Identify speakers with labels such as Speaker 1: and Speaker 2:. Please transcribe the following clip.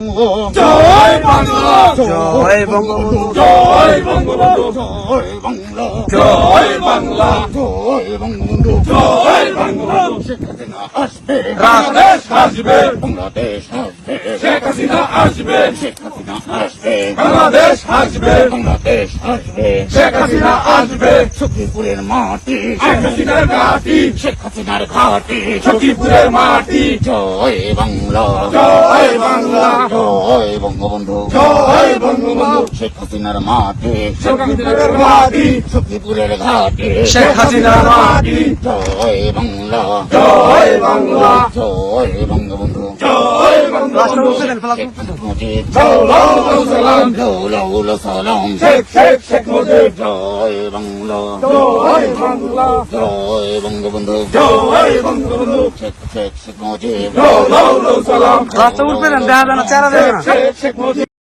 Speaker 1: বঙ্গবন্ধু
Speaker 2: জয় বাংলা
Speaker 1: জয় বঙ্গবন্ধু
Speaker 2: জয় বঙ্গবন্ধু
Speaker 1: জয় বাংলা
Speaker 2: জয় বাংলা
Speaker 1: জয় বঙ্গবন্ধু
Speaker 2: জয় বঙ্গবন্ধু
Speaker 1: শেখ হাসিনা আসবে
Speaker 2: বাংলাদেশ আসবে
Speaker 1: বাংলাদেশ আসবে
Speaker 2: শেখ হাসিনা আসবে
Speaker 1: শেখ হাসিনা আসবে
Speaker 2: বাংলাদেশ আসবে
Speaker 1: বাংলাদেশ আসবে
Speaker 2: শেখ হাসিনা আসবে
Speaker 1: সখীপুরের মাটি
Speaker 2: শেখ হাসিনার ঘাটি
Speaker 1: শেখ হাসিনার ঘাটি
Speaker 2: সখীপুরের মাটি
Speaker 1: জয় বাংলা
Speaker 2: জয় বাংলা
Speaker 1: জয় বঙ্গবন্ধু
Speaker 2: জয় বঙ্গবন্ধু
Speaker 1: শেখ হাসিনার মাটি
Speaker 2: শেখ হাসিনার ঘাটি
Speaker 1: সখীপুরের ঘাটি
Speaker 2: শেখ হাসিনার মাটি
Speaker 1: জয় বাংলা
Speaker 2: জয় বাংলা
Speaker 1: জয় বঙ্গবন্ধু
Speaker 2: জয় বঙ্গবন্ধু
Speaker 1: শেখ মুজিব
Speaker 2: লাউ সালাম
Speaker 1: লাউ সালাম
Speaker 2: শেখ শেখ শেখ মুজিব
Speaker 1: জয় বাংলা
Speaker 2: জয় বাংলা
Speaker 1: জয় বঙ্গবন্ধু
Speaker 2: জয় বঙ্গবন্ধু
Speaker 1: শেখ শেখ শেখ মুজিব
Speaker 2: লাউ সালাম
Speaker 3: রাস্তা উঠবে না দেখা যায় না চেহারা দেখে না
Speaker 2: শেখ শেখ মুজিব